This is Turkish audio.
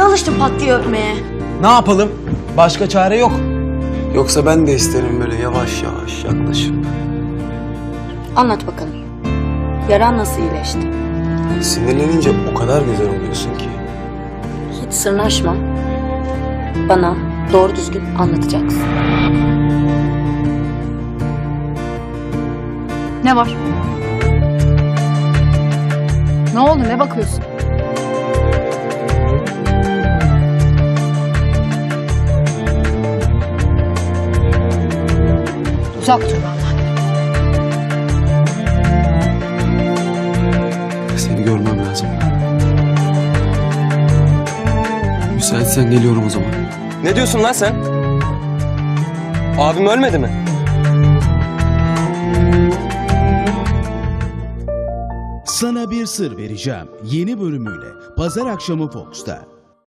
alıştın pat diye öpmeye. Ne yapalım? Başka çare yok. Yoksa ben de isterim böyle yavaş yavaş yaklaşıp. Anlat bakalım. Yaran nasıl iyileşti? Sinirlenince o kadar güzel oluyorsun ki. Hiç sırnaşma. Bana doğru düzgün anlatacaksın. Ne var? Ne oldu? Ne bakıyorsun? Uzak dur benden. Seni görmem lazım. Müsaitsen geliyorum o zaman. Ne diyorsun lan sen? Abim ölmedi mi? Sana bir sır vereceğim. Yeni bölümüyle Pazar akşamı Fox'ta.